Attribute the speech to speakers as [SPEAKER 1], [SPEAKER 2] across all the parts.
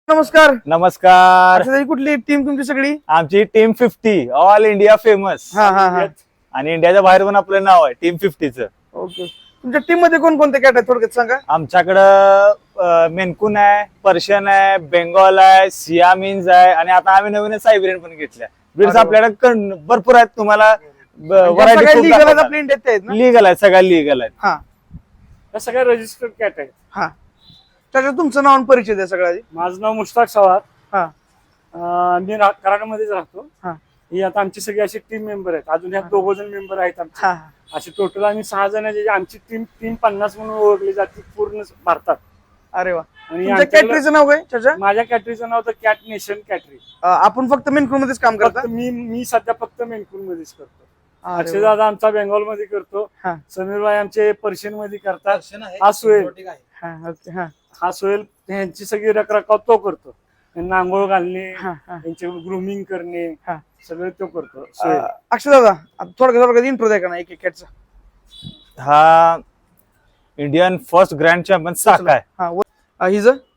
[SPEAKER 1] नमस्कार.
[SPEAKER 2] नमस्कार.
[SPEAKER 1] अच्छा, कुठली टीम तुमची सगळी?
[SPEAKER 2] आमची टीम 50 ऑल इंडिया फेमस. आणि इंडियाच्या बाहेर पण आपलं नाव आहे टीम 50चं.
[SPEAKER 1] ओके. तुमच्या टीम मध्ये कोण कोणते कॅट आहेत थोडक्यात सांगा.
[SPEAKER 2] आमच्याकडं मेनकून आहे, पर्शियन आहे, बेंगॉल आहे, सियामीन्स आहे आणि आता आम्ही नवीन सायबेरियन पण घेतल्या. ब्रीड्स आपल्याकडे भरपूर आहेत. तुम्हाला व्हरायटी लीगल आहेत, सगळ्या लीगल आहेत.
[SPEAKER 3] या सगळ्या रजिस्टर्ड कॅट आहेत.
[SPEAKER 1] हा, त्याच्यात तुमचं नाव आणि परिचय द्या सगळ्या.
[SPEAKER 3] माझं नाव मुश्ताक सवार.
[SPEAKER 1] हा.
[SPEAKER 3] मी कराडमध्येच राहतो. ही आता आमची सगळी अशी टीम मेंबर आहेत. अजून ह्या 2 जण मेंबर आहेत आमचे. असे टोटल आम्ही 6 जण आहे. आमची टीम 350 म्हणून ओळखली जाते पूर्ण भारतात.
[SPEAKER 1] अरे वा.
[SPEAKER 3] आणि
[SPEAKER 1] कॅटरीचं नाव काय त्याच्या?
[SPEAKER 3] माझ्या कॅटरीचं नाव तर कॅट नेशन कॅटरी.
[SPEAKER 1] आपण फक्त मेनकून मध्येच काम करतो.
[SPEAKER 3] मी सध्या फक्त मेनकून मध्येच करतो. अक्षय दादा आमचा बेंगॉल मध्ये करतो. समीर भाई आमचे पर्शियन मध्ये करतात. हा सोहेल यांची सगळी रखरखाव तो करतो. त्यांना आंघोळ घालणे, त्यांचे ग्रूमिंग करणे सगळं तो करतो.
[SPEAKER 1] अक्षय दादा थोडक्यात इंट्रो द्या का ना एक कॅटचा.
[SPEAKER 2] हा Indian first grand champion Saka आहे.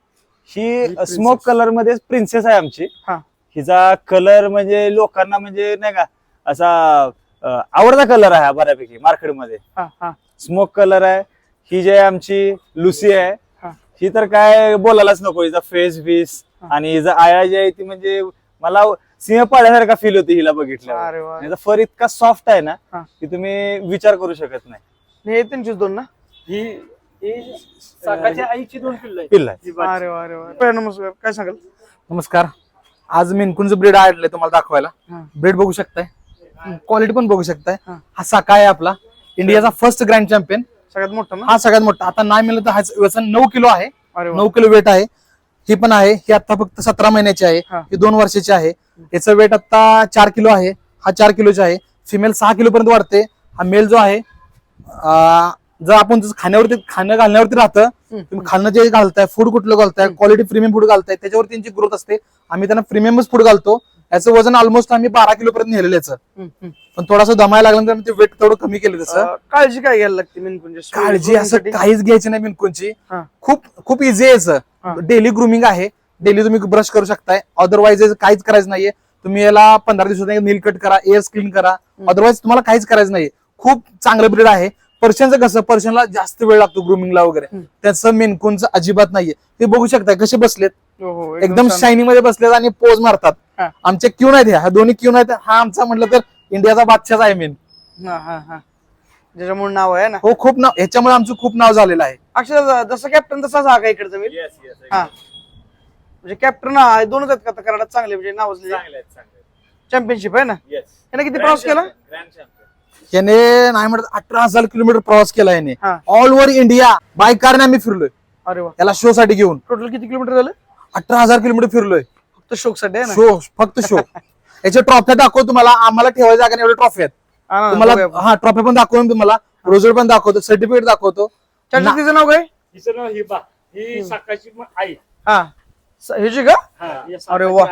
[SPEAKER 2] ही स्मोक कलर मध्ये प्रिन्सेस आहे आमची. हिचा कलर म्हणजे लोकांना म्हणजे नाही का असा आवडता कलर आहे बऱ्यापैकी मार्केटमध्ये. स्मोक कलर आहे. ही जी आहे आमची लुसी आहे. ही तर काय बोलायलाच नको. हिचा फेस बीस आणि हिचा आया जी आहे ती म्हणजे मला सिंह पाळल्यासारखा फील होती हिला बघितल्यावर. हिचा फर इतका सॉफ्ट आहे ना की तुम्ही विचार करू शकत नाही.
[SPEAKER 1] हे त्यांचीच 2 ना?
[SPEAKER 3] ही साकाच्या आईची 2
[SPEAKER 2] पिल्ल आहे.
[SPEAKER 1] अरे वा अरे वा. नमस्कार, काय सांगाल?
[SPEAKER 4] नमस्कार. आज मेनकूनचं ब्रीड आणलंय तुम्हाला दाखवायला. ब्रीड बघू शकताय, क्वालिटी पण बघू शकताय. हा साका आहे आपला इंडियाचा फर्स्ट ग्रँड चॅम्पियन.
[SPEAKER 1] सगळ्यात मोठा ना?
[SPEAKER 4] हा सगळ्यात मोठा. आता नाही मिळलं तर ह्याचं वजन 9 किलो आहे. 9 किलो वेट आहे. ही पण आहे. ही आता फक्त 17 महिन्याची आहे. ही 2 वर्षाची आहे. याचं वेट आता 4 किलो आहे. हा 4 किलोचा आहे. फिमेल 6 किलो पर्यंत वाढते. हा मेल जो आहे जर आपण खाणं घालण्यावरती राहतं. तुम्ही खाणं जे घालताय, फूड कुठलं घालताय, क्वालिटी प्रीमियम फूड घालताय, त्याच्यावर त्यांची ग्रोथ असते. आम्ही त्यांना प्रीमियमच फूड घालतो. याचं वजन ऑलमोस्ट आम्ही 12 किलो पर्यंत नेलेलं याचं. पण थोडासा दमायला लागल्यानंतर ते वेट थोडं कमी केलं. तसं
[SPEAKER 1] काळजी काय घ्यायला लागते मेनकूनची?
[SPEAKER 4] काळजी असं काहीच घ्यायची नाही मेनकूनची. खूप इझी आहे याचं. डेली ग्रूमिंग आहे. डेली तुम्ही ब्रश करू शकताय. अदरवाईज काहीच करायचं नाहीये. तुम्ही याला 15 दिवसात नील कट करा, एअर्स क्लीन करा. अदरवाईज तुम्हाला काहीच करायचं नाहीये. खूप चांगलं ब्रीड आहे. पर्शियनचं कसं, पर्शियनला जास्त वेळ लागतो ग्रूमिंगला वगैरे. त्याचं मेनकूनचं अजिबात नाहीये. ते बघू शकताय कसे बसलेत. एकदम शायनिंग मध्ये बसलेत आणि पोज मारतात. आमचे क्यून आहेत. ह्या 2 क्यून आहेत. हा आमचा म्हटलं तर इंडियाचा बादशाच आहे मेन.
[SPEAKER 1] ज्याच्यामुळे नाव आहे ना.
[SPEAKER 4] हो, खूप नाव. ह्याच्यामुळे आमचं खूप नाव झालेलं आहे.
[SPEAKER 1] अक्षय जसं कॅप्टन तसाच हा का इकडचा मी? म्हणजे कॅप्टन 2च आहेत का कराडात चांगले म्हणजे नाव चॅम्पियनशिप आहे ना? याने किती प्रवास केला?
[SPEAKER 4] याने नाही म्हणत 18,000 किलोमीटर प्रवास केला याने. ऑल ओव्हर इंडिया बाय कारने आम्ही फिरलोय.
[SPEAKER 1] अरे वा.
[SPEAKER 4] याला शो साठी घेऊन.
[SPEAKER 1] टोटल किती किलोमीटर झालं?
[SPEAKER 4] 18,000 किलोमीटर फिरलोय.
[SPEAKER 1] फक्त शोक साठी आहे ना?
[SPEAKER 4] शो, फक्त शो. याच्या ट्रॉफ्या दाखव तुम्हाला. आम्हाला ठेवायच्या जागा एवढे ट्रॉफी आहेत तुम्हाला. हा, ट्रॉफी पण दाखवून तुम्हाला, रोजर पण दाखवतो, सर्टिफिकेट दाखवतो.
[SPEAKER 1] तिचं नाव काय?
[SPEAKER 3] हिचं नाव हिबा. ही साकाची आई.
[SPEAKER 1] ह्याची का? अरे वा.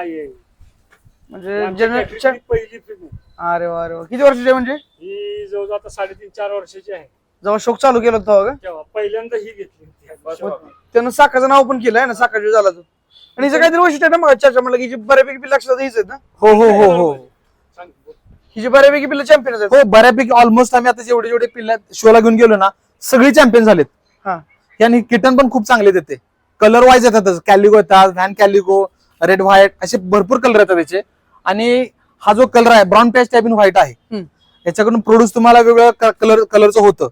[SPEAKER 1] म्हणजे
[SPEAKER 3] पहिली फिल्म.
[SPEAKER 1] अरे वा अरे वा. किती वर्षाची म्हणजे?
[SPEAKER 3] ही जवळजवळ आता 3.5-4 वर्षाची आहे.
[SPEAKER 1] जेव्हा शोक चालू केलं होतं
[SPEAKER 3] तेव्हा पहिल्यांदा ही घेतली.
[SPEAKER 1] त्यानं साकाचं नाव पण केलं आहे ना, साका जो झाला तो. आणि हिचं काहीतरी वैशिष्ट्य आहे ना मग चर्चा म्हटलं की बऱ्यापैकी लक्षात हीच आहेत ना?
[SPEAKER 4] हो हो हो हो.
[SPEAKER 1] ही जी बऱ्यापैकी पिल्लं चॅम्पियन आहेत.
[SPEAKER 4] हो, बऱ्यापैकी ऑलमोस्ट आम्ही आता जेवढे पिल्ला शोला घेऊन गेलो ना सगळी चॅम्पियन झालेत. आणि किटन पण खूप चांगले देते. कलर वाईज येतात. कॅलिगो येतात, व्हॅन कॅलिगो, रेड व्हाईट, असे भरपूर कलर येतात त्याचे. आणि हा जो कलर आहे brown patch type in white आहे. याच्याकडून प्रोड्यूस तुम्हाला वेगळं कलरचं होतं.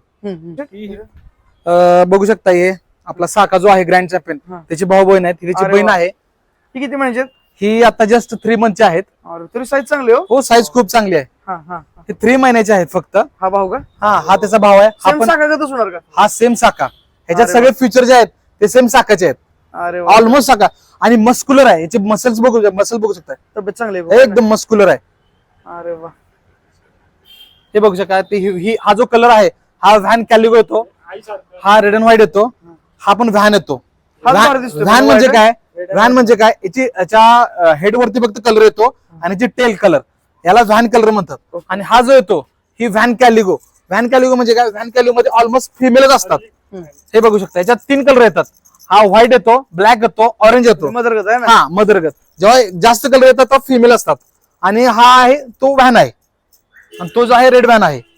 [SPEAKER 4] बघू शकता. हे आपला साका जो आहे ग्रँड चॅम्पियन, त्याची भाऊ बहीण आहे. त्याची बहीण आहे.
[SPEAKER 1] ही किती म्हणजे?
[SPEAKER 4] ही आता जस्ट 3 मंथचे आहेत.
[SPEAKER 1] तरी साईज चांगली
[SPEAKER 4] हो, साईज खूप चांगली आहे. हे 3 महिन्याचे आहेत फक्त.
[SPEAKER 1] हा भाऊ का?
[SPEAKER 4] हा त्याचा भाव आहे. हा सेम साका. ह्याच्यात सगळे फीचर जे आहेत ते सेम साकाचे आहेत. ऑलमोस्ट साका. आणि मस्क्युलर आहे. याचे मसल बघू शकता.
[SPEAKER 1] तब्येत चांगली
[SPEAKER 4] एकदम मस्क्युलर आहे.
[SPEAKER 1] अरे वा.
[SPEAKER 4] हे बघू शकता. हा जो कलर आहे हा व्हॅन कॅलिगो येतो. हा रेड अँड व्हाईट येतो. हा पण व्हॅन येतो. व्हॅन म्हणजे काय? व्हॅन म्हणजे काय? याच्या हेड वरती फक्त कलर येतो आणि याची टेल कलर, याला व्हॅन कलर म्हणतात. आणि हा जो येतो ही व्हॅन कॅलिगो. व्हॅन कॅलिगो म्हणजे काय? व्हॅन कॅलिगो मध्ये ऑलमोस्ट फिमेलच असतात. हे बघू शकता. याच्यात 3 कलर येतात. हा व्हाईट येतो, ब्लॅक येतो, ऑरेंज येतो.
[SPEAKER 1] मदरगत आहे ना.
[SPEAKER 4] हा मदरगत. जेव्हा जास्त कलर येतात तो फिमेल असतात. आणि हा आहे तो व्हॅन आहे, आणि तो जो आहे रेड व्हॅन आहे.